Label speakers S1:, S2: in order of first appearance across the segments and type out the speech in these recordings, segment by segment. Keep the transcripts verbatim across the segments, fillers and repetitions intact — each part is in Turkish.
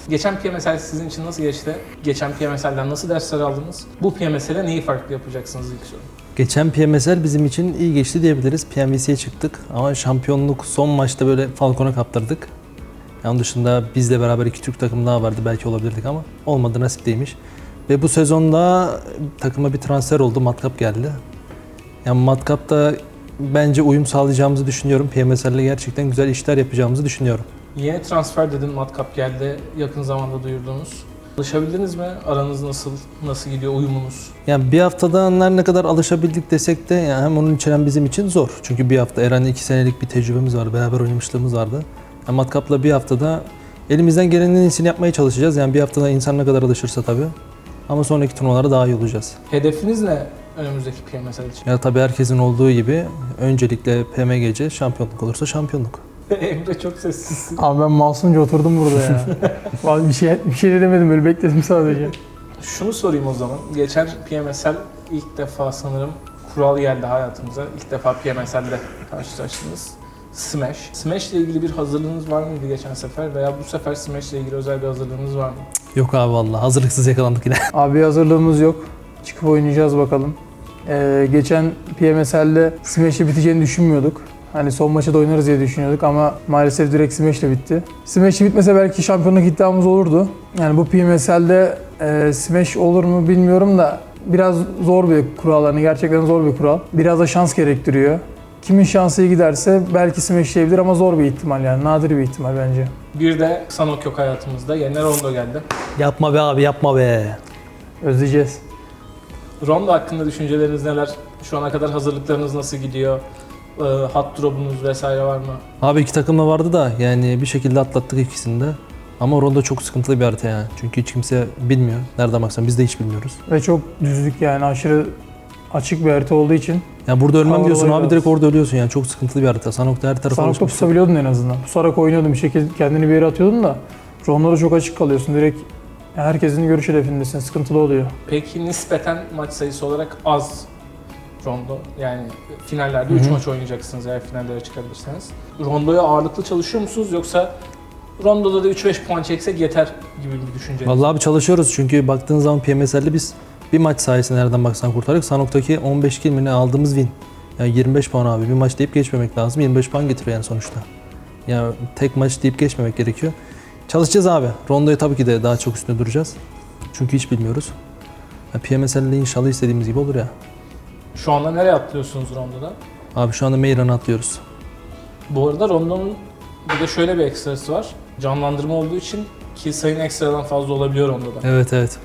S1: Geçen P M S L sizin için nasıl geçti? Geçen P M S L'den nasıl dersler aldınız? Bu P M S L'e neyi farklı yapacaksınız ilk soru.
S2: Geçen P M S L bizim için iyi geçti diyebiliriz. P M V C'ye çıktık ama şampiyonluk son maçta böyle Falcon'a kaptırdık. Onun dışında bizle beraber iki Türk takım daha vardı, belki olabilirdik ama olmadı, nasip değilmiş. Ve bu sezonda takıma bir transfer oldu, Matkap geldi. Yani Matkap'ta bence uyum sağlayacağımızı düşünüyorum. P M S L'le gerçekten güzel işler yapacağımızı düşünüyorum.
S1: Yeni transfer dedin, Matkap geldi. Yakın zamanda duyurdunuz. Alışabildiniz mi? Aranız nasıl? Nasıl gidiyor uyumunuz?
S2: Yani bir haftada her ne kadar alışabildik desek de yani hem onun için hem bizim için zor. Çünkü bir hafta Eren'le iki senelik bir tecrübemiz vardı, beraber oynamışlığımız vardı. Yani Matkap'la bir haftada elimizden gelenin en iyisini yapmaya çalışacağız. Yani bir haftada insan ne kadar alışırsa tabii. Ama sonraki turnuvalara daha iyi olacağız.
S1: Hedefiniz ne önümüzdeki P M S L için?
S2: Ya tabii herkesin olduğu gibi öncelikle P M G C, şampiyonluk olursa şampiyonluk.
S1: Emre çok sessizsin.
S3: Abi ben masumca oturdum burada ya. Vallahi bir şey bir şey de demedim, böyle bekledim sadece.
S1: Şunu sorayım o zaman. Geçen P M S L ilk defa sanırım kural geldi hayatımıza. İlk defa P M S L'de karşılaştınız. Smash. Smash ile ilgili bir hazırlığınız var mıydı geçen sefer veya bu sefer Smash ile ilgili özel bir hazırlığınız var mı?
S2: Yok abi vallahi hazırlıksız yakalandık yine.
S3: Abi hazırlığımız yok. Çıkıp oynayacağız bakalım. Ee, geçen P M S L'de Smash'le biteceğini düşünmüyorduk. Hani son maçta da oynarız diye düşünüyorduk ama maalesef direkt Smash'le bitti. Smash'le bitmese belki şampiyonluk iddiamız olurdu. Yani bu P M S L'de e, Smash olur mu bilmiyorum da biraz zor bir kural. Hani gerçekten zor bir kural. Biraz da şans gerektiriyor. Kimin şansı iyi giderse belki Smash'leyebilir ama zor bir ihtimal, yani nadir bir ihtimal bence.
S1: Bir de Sanok yok hayatımızda. Yerine Rondo geldi.
S2: Yapma be abi, yapma be.
S3: Özleyeceğiz.
S1: Rondo hakkında düşünceleriniz neler? Şu ana kadar hazırlıklarınız nasıl gidiyor? Ee, Hat drop'unuz vesaire var mı?
S2: Abi iki takım da vardı da yani bir şekilde atlattık ikisini de. Ama Rondo çok sıkıntılı bir harita yani. Çünkü hiç kimse bilmiyor. Nereden baksan biz de hiç bilmiyoruz.
S3: Ve çok düzlük, yani aşırı açık bir harita olduğu için.
S2: Ya burada ölmem
S3: Havalı
S2: diyorsun abi,
S3: biraz.
S2: direkt orada ölüyorsun yani. Çok sıkıntılı bir harita. Sanok'ta her tarafa
S3: Sanok'ta
S2: alışmışsın.
S3: pusabiliyordun en azından. Pusarak oynuyordun, bir şekilde kendini bir yere atıyordun da Rondo'da çok açık kalıyorsun. Direkt herkesin görüş hedefindesin. Sıkıntılı oluyor.
S1: Peki nispeten maç sayısı olarak az Rondo. Yani finallerde üç maç oynayacaksınız eğer finallere çıkabilirseniz. Rondo'ya ağırlıklı çalışıyor musunuz yoksa Rondo'da da üç beş puan çeksek yeter gibi bir düşünce?
S2: Vallahi abi çalışıyoruz çünkü baktığın zaman P M S L'de biz bir maç sayesinde nereden baksan kurtardık. Sanok'taki on beş kill mi ne aldığımız win. Yani yirmi beş puan abi. Bir maç deyip geçmemek lazım. yirmi beş puan getiriyor yani sonuçta. Yani tek maç deyip geçmemek gerekiyor. Çalışacağız abi. Rondo'ya tabii ki de daha çok üstünde duracağız. Çünkü hiç bilmiyoruz. Ya P M S L'de inşallah istediğimiz gibi olur ya.
S1: Şu anda nereye atlıyorsunuz Rondo'da?
S2: Abi şu anda Meyran'a atlıyoruz.
S1: Bu arada Rondo'nun bir de şöyle bir ekstrası var. Canlandırma olduğu için kill sayın ekstradan fazla olabiliyor Rondo'da.
S2: Evet evet.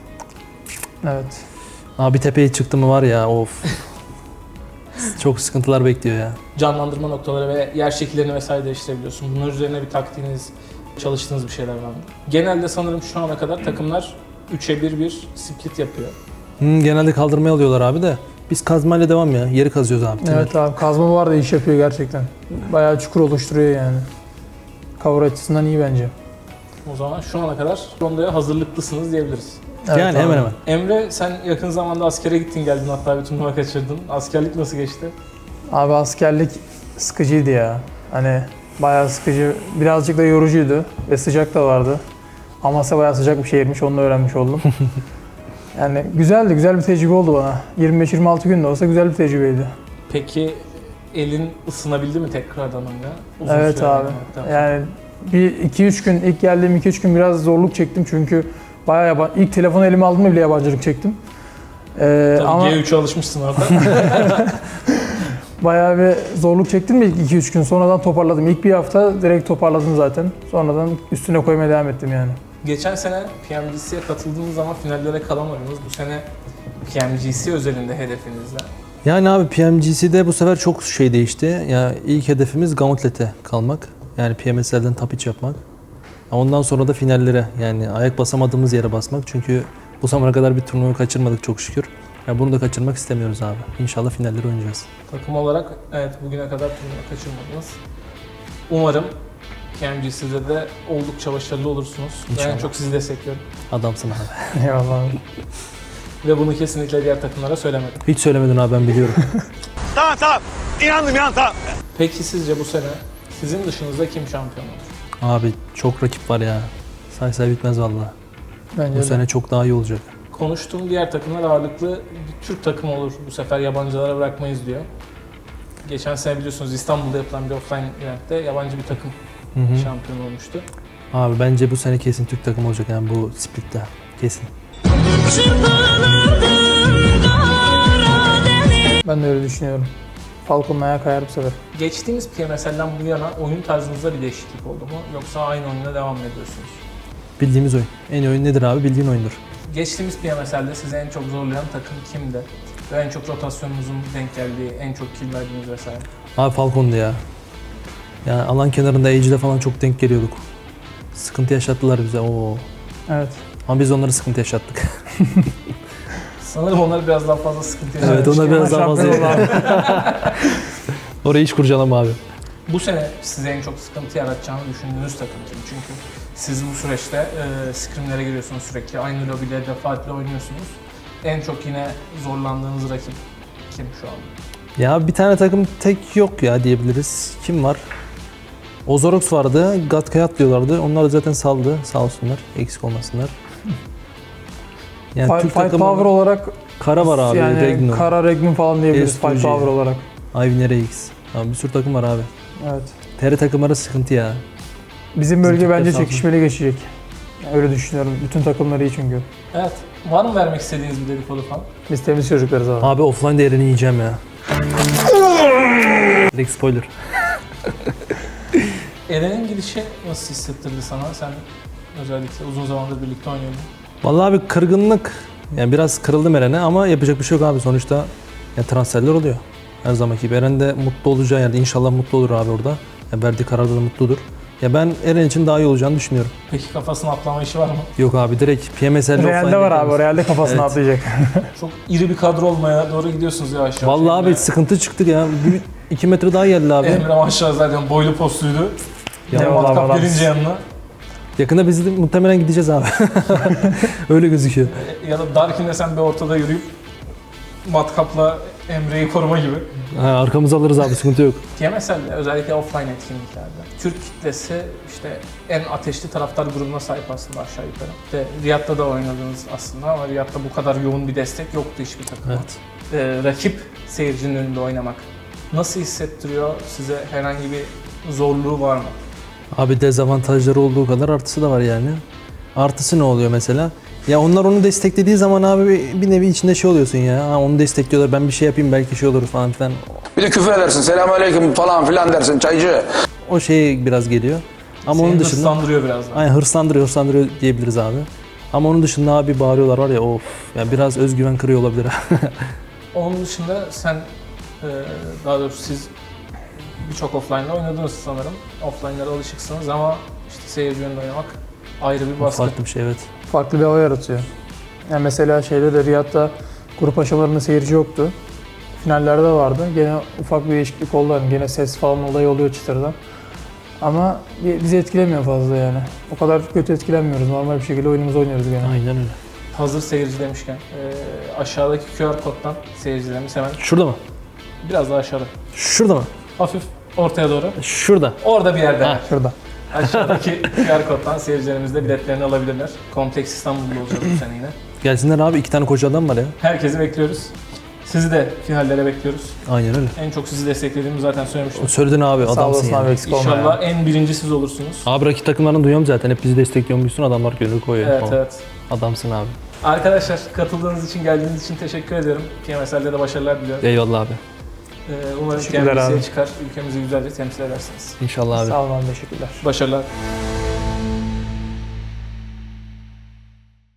S3: Evet.
S2: Abi tepeye çıktı mı var ya of. Çok sıkıntılar bekliyor ya.
S1: Canlandırma noktaları ve yer şekillerini vesaire değiştirebiliyorsun. Bunlar üzerine bir taktiğiniz, çalıştığınız bir şeyler var mı? Genelde sanırım şu ana kadar takımlar üçe bir bir split yapıyor.
S2: Hmm, genelde kaldırmaya alıyorlar abi de. Biz kazmayla devam ya. Yeri kazıyoruz abi.
S3: Evet abi, kazma var da iş yapıyor gerçekten. Bayağı çukur oluşturuyor yani. Cover açısından iyi bence.
S1: O zaman şu ana kadar Rondo'ya hazırlıklısınız diyebiliriz.
S3: Evet
S2: yani
S3: abi.
S2: hemen hemen.
S1: Emre, sen yakın zamanda askere gittin geldin, hatta bir turnuva kaçırdın. Askerlik nasıl geçti?
S3: Abi askerlik sıkıcıydı ya. Hani bayağı sıkıcı, birazcık da yorucuydu ve sıcak da vardı. Amasya bayağı sıcak bir şehirmiş, onu da öğrenmiş oldum. Yani güzeldi, güzel bir tecrübe oldu bana. yirmi beş yirmi altı gün de olsa güzel bir tecrübeydi.
S1: Peki elin ısınabildi mi tekrardan oyuna? Uzun
S3: Evet
S1: süre
S3: abi.
S1: oynamaktan sonra.
S3: Yani bir iki üç gün, ilk geldiğim iki üç gün biraz zorluk çektim çünkü bayağı yaban, ilk telefonu elime aldığımda bile yabancılık çektim. Ee,
S1: Tabii
S3: ama
S1: G üç'e alışmışsın orada.
S3: bayağı bir zorluk çektim mi ilk iki üç gün, sonradan toparladım. İlk bir hafta direkt toparladım zaten. Sonradan üstüne koymaya devam ettim yani.
S1: Geçen sene P M G C'ye katıldığınız zaman finallere kalamadınız. Bu sene P M G C özelinde hedefiniz ne?
S2: Yani abi P M G C'de bu sefer çok şey değişti. Ya ilk hedefimiz Gauntlet'e kalmak. Yani P M S L'den top üç yapmak. Ondan sonra da finallere, yani ayak basamadığımız yere basmak. Çünkü bu zamana kadar bir turnuva kaçırmadık çok şükür. Ya bunu da kaçırmak istemiyoruz abi. İnşallah finalleri oynayacağız.
S1: Takım olarak evet bugüne kadar turnuva kaçırmadınız. Umarım P M G C'de de oldukça başarılı olursunuz. Ben
S2: İnşallah.
S1: en çok sizi destekliyorum.
S2: Adamsın abi.
S3: Eyvallah abi.
S1: Ve bunu kesinlikle diğer takımlara söylemedim.
S2: Hiç söylemedin abi, ben biliyorum.
S4: Tamam tamam. İnandım inan tamam.
S1: Peki sizce bu sene sizin dışınızda kim şampiyon olur?
S2: Abi çok rakip var ya. say say bitmez vallahi.
S3: Bence
S2: Bu
S3: de.
S2: sene çok daha iyi olacak.
S1: Konuştuğum diğer takımlar ağırlıklı bir Türk takımı olur. Bu sefer yabancılara bırakmayız diyor. Geçen sene biliyorsunuz İstanbul'da yapılan bir offline eventte yabancı bir takım
S2: Hı hı.
S1: şampiyon olmuştu.
S2: Abi bence bu sene kesin Türk takımı olacak yani bu splitte. Kesin.
S3: Ben de öyle düşünüyorum. Falcon'un ayağı kayar bu sefer.
S1: Geçtiğimiz P M S L'den bu yana oyun tarzınızda bir değişiklik oldu mu? Yoksa aynı oyuna devam mı ediyorsunuz?
S2: Bildiğimiz oyun. En iyi oyun nedir abi? Bildiğin oyundur.
S1: Geçtiğimiz P M S L'de sizi en çok zorlayan takım kimdi? Ve en çok rotasyonunuzun denk geldiği, en çok kill verdiğiniz vesaire.
S2: Abi Falcon'du ya. Yani alan kenarında Age'de falan çok denk geliyorduk. Sıkıntı yaşattılar bize. Oo.
S3: Evet.
S2: Ama biz onları sıkıntı yaşattık.
S1: Sanırım onlar biraz daha fazla sıkıntı yaşadı.
S2: Evet, onlar biraz daha fazla.
S3: Şampiyon oldu abi.
S2: Orayı hiç kurcalama abi.
S1: Bu sene size en çok sıkıntı yaratacağını düşündüğünüz takım kim? Çünkü siz bu süreçte e, scrimlere giriyorsunuz sürekli. Aynı lobide defaatle oynuyorsunuz. En çok yine zorlandığınız rakip kim şu an?
S2: Ya bir tane takım tek yok ya diyebiliriz. Kim var? Ozorox vardı. Gatkayat diyorlardı. Onlar da zaten saldı. Sağ olsunlar. Eksik olmasınlar. Yani
S3: Fight,
S2: Türk
S3: fight
S2: takımı
S3: power olarak
S2: Kara var abi.
S3: yani
S2: Regno.
S3: Kara Regnum falan diyebiliriz
S2: S
S3: fight
S2: iki G.
S3: power olarak.
S2: Ivy R X. Abi bir sürü takım var abi.
S3: Evet.
S2: T R takımları sıkıntı ya.
S3: Bizim bölge
S2: Bizim
S3: bence
S2: Türkler
S3: çekişmeli geçecek. Yani öyle düşünüyorum. Bütün takımlar iyi çünkü.
S1: Evet. Var mı vermek istediğiniz bir dedikodu falan?
S3: Biz temiz çocuklarız abi.
S2: Abi offline değerini yiyeceğim ya. Direkt spoiler.
S1: Eren'in gidişi nasıl hissettirdi sana? Sen özellikle uzun zamandır birlikte oynuyordun.
S2: Vallahi abi kırgınlık. Yani biraz kırıldım Eren'e ama yapacak bir şey yok abi. Sonuçta ya transferler oluyor. Her zamanki gibi. Eren de mutlu olacağı yerde inşallah mutlu olur abi orada. Ya verdiği kararda da mutludur. Ya ben Eren için daha iyi olacağını düşünüyorum.
S1: Peki kafasına atlama işi var mı?
S2: Yok abi direkt P M S L'de
S3: Real'de var abi. O Real'de kafasına
S2: Evet.
S3: atlayacak.
S1: Çok iri bir kadro olmaya doğru gidiyorsunuz yavaş yavaş.
S2: Vallahi abi
S1: Emre-
S2: sıkıntı çıktık ya. Bir, iki metre daha geldi abi.
S1: Emre maşallah zaten boylu postuydu.
S2: Ya
S1: Ya
S3: vallahi
S1: matkap
S3: vallahi.
S1: gelince yanına.
S2: Yakında biz de muhtemelen gideceğiz abi. Öyle gözüküyor.
S1: Ya da Darkin'le sen bir ortada yürüyüp matkapla Emre'yi koruma gibi.
S2: Ha, arkamızı alırız abi sıkıntı yok.
S1: P M S L'de özellikle offline etkinliklerde Türk kitlesi işte en ateşli taraftar grubuna sahip aslında aşağı yukarı. İşte Riyad'da da oynadınız aslında ama Riyad'da bu kadar yoğun bir destek yoktu hiçbir takıma.
S2: Evet.
S1: Ee, rakip seyircinin önünde oynamak nasıl hissettiriyor? Size herhangi bir zorluğu var mı?
S2: Abi dezavantajları olduğu kadar artısı da var yani. Artısı ne oluyor mesela? Ya onlar onu desteklediği zaman abi bir- bir nevi içinde şey oluyorsun ya. Ha, onu destekliyorlar ben bir şey yapayım belki şey olur falan filan.
S5: Bir de küfür edersin, selamünaleyküm falan filan dersin, çaycı.
S2: O şey biraz geliyor. Ama
S1: Seni
S2: onun dışında
S1: hırslandırıyor biraz daha.
S2: aynen hırslandırıyor, hırslandırıyor diyebiliriz abi. Ama onun dışında abi bağırıyorlar var ya of. Ya biraz özgüven kırıyor olabilir.
S1: Onun dışında sen, e, daha doğrusu siz birçok offline'da oynadınız sanırım. Offline'lara alışıksınız ama işte seyirci önünde oynamak ayrı bir baskı.
S2: Farklı bir şey evet.
S3: Farklı bir hava yaratıyor. Yani mesela şeyde de Riyad'da grup aşamalarında seyirci yoktu. Finallerde vardı. Gene ufak bir değişiklik oldu. Yani gene ses falan olayı oluyor çıtırdan. Ama bi- bizi etkilemiyor fazla yani. O kadar kötü etkilenmiyoruz. Normal bir şekilde oyunumuzu oynuyoruz gene.
S2: Aynen öyle.
S1: Hazır seyirci demişken e, aşağıdaki Q R koddan seyircilerimiz hemen
S2: Şurada mı?
S1: biraz daha aşağıda.
S2: Şurada mı?
S1: Hafif ortaya doğru.
S2: Şurada.
S1: Orada bir yerde.
S2: Ha.
S3: Şurada.
S1: Aşağıdaki Q R koddan seyircilerimiz de biletlerini alabilirler. Kompleks İstanbul'da olacak bu sene yine.
S2: Gelsinler abi iki tane koca adam var ya.
S1: Herkesi bekliyoruz. Sizi de finallere bekliyoruz.
S2: Aynen öyle.
S1: En çok sizi desteklediğimi zaten söylemiştim.
S2: Söyledin abi
S3: Sağ
S2: adamsın
S3: olasın
S2: ya.
S3: abi eksik olma
S1: İnşallah
S3: ya.
S1: en birinci siz olursunuz.
S2: Abi rakip takımlarını duyuyorum zaten. Hep bizi destekliyormuşsun. Adamlar gönül koyuyor.
S1: Evet
S2: falan.
S1: evet.
S2: Adamsın abi.
S1: Arkadaşlar katıldığınız için, geldiğiniz için teşekkür ediyorum. P M S L'de de başarılar diliyorum.
S2: Eyvallah abi.
S1: Ee, umarım
S3: Teşekkürler
S1: P M S'ye
S3: abi.
S1: çıkar, ülkemizi güzelce temsil edersiniz.
S2: İnşallah abi.
S3: Sağ olun abi, teşekkürler.
S1: Başarılar.